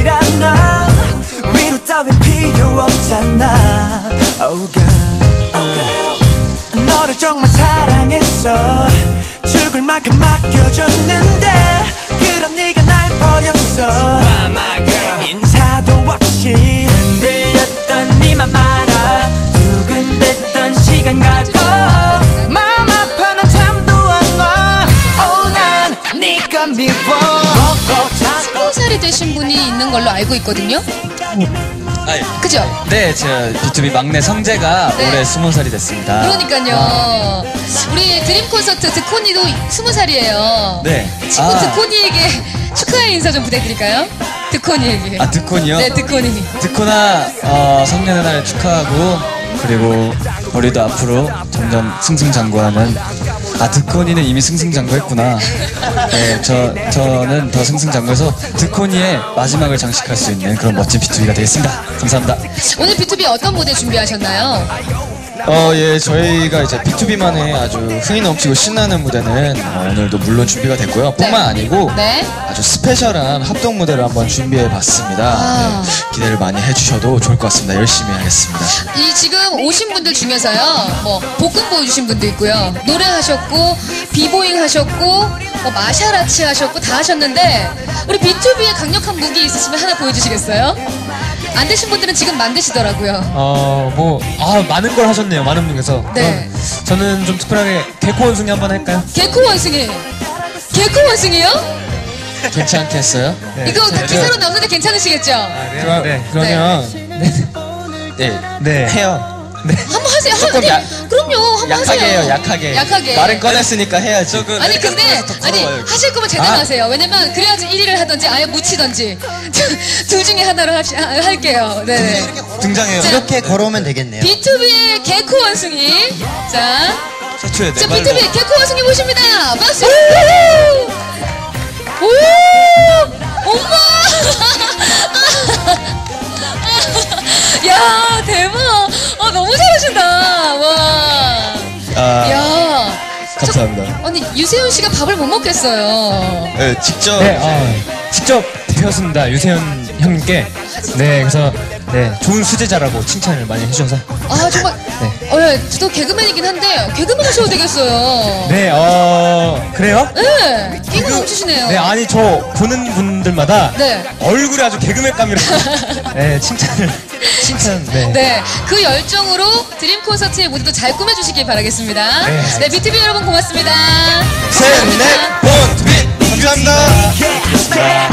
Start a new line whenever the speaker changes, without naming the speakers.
아니란 나 위로 따윈 필요 없잖아. Oh girl, oh girl. 너를 정말 사랑했어. 죽을 만큼 맡겨줬는데 그럼 네가 날 버렸어. My girl. 인사도 없이 흔들렸던 네맘 알아. 두근댔던 시간 가지고 마음 아파 난 잠도 안 와. Oh 난 네가 미워.
20살이 되신 분이 있는 걸로 알고 있거든요. 그죠?
네, 저 B2B 막내 성재가
네.
올해 20살이 됐습니다.
그러니까요. 우리 드림 콘서트 드코니도 20살이에요.
네.
친구 드코니에게 축하의 인사 좀 부탁드릴까요? 드코니에게.
아, 드콘이요?
네, 드코니.
드코나 성년의 날 축하하고, 그리고 우리도 앞으로 점점 승승장구하는. 아, 드코니는 이미 승승장구했구나. 네, 저는 더 승승장구해서 드코니의 마지막을 장식할 수 있는 그런 멋진 B2B가 되겠습니다. 감사합니다.
오늘 B2B 어떤 무대 준비하셨나요?
예, 저희가 이제 B2B만의 아주 흥이 넘치고 신나는 무대는 오늘도 물론 준비가 됐고요. 뿐만 아니고
네.
아주 스페셜한 합동 무대를 한번 준비해 봤습니다. 네, 기대를 많이 해주셔도 좋을 것 같습니다. 열심히 하겠습니다.
이 지금 오신 분들 중에서요, 뭐 볶음 보여주신 분도 있고요, 노래하셨고 비보잉 하셨고 뭐 마샤라치 하셨고 다 하셨는데 우리 B2B의 강력한 무기 있으시면 하나 보여주시겠어요? 안 되신 분들은 지금 만드시더라고요.
많은 걸 하셨네요. 많은 분께서.
네.
저는 좀 특별하게 개코 원숭이 한번 할까요?
개코 원숭이. 개코 원숭이요?
괜찮겠어요?
네.
이거 다 기사로 나오는데 괜찮으시겠죠?
네.
그러면 네, 해요.
네.
한번 하세요.
조금
그럼요. 한번
약하게
하세요.
해요. 약하게.
약하게.
말은 꺼냈으니까 해야지.
아니 근데 하실 거면 제대로 하세요. 왜냐면 그래야지 1위를 하든지 아예 묻히든지 둘 중에 하나로 할게요. 네.
등장해요.
자,
이렇게 걸어오면 되겠네요.
B2B의 개코 원숭이. 자,
최초의
자 B2B 개코 원숭이 모십니다. 박수. 오, 엄마. 야 대박. 너무 잘하신다. 와. 야.
감사합니다.
아니 유세윤 씨가 밥을 못 먹겠어요.
네, 직접.
네, 직접 배웠습니다. 유세현 형님께. 네, 그래서 좋은 수제자라고 칭찬을 많이 해주셔서.
아 정말.
네.
저도 개그맨이긴 한데 개그맨 하셔도 되겠어요.
네, 그래요?
네, 개그 넘치시네요.
네, 아니 저 보는 분들마다
네.
얼굴이 아주 개그맨감이라고. 네, 칭찬. 네.
네, 그 열정으로 드림 콘서트의 무대도 잘 꾸며주시길 바라겠습니다. 네, B2B 여러분 고맙습니다.
셋, 넷, 원, 투비. 감사합니다.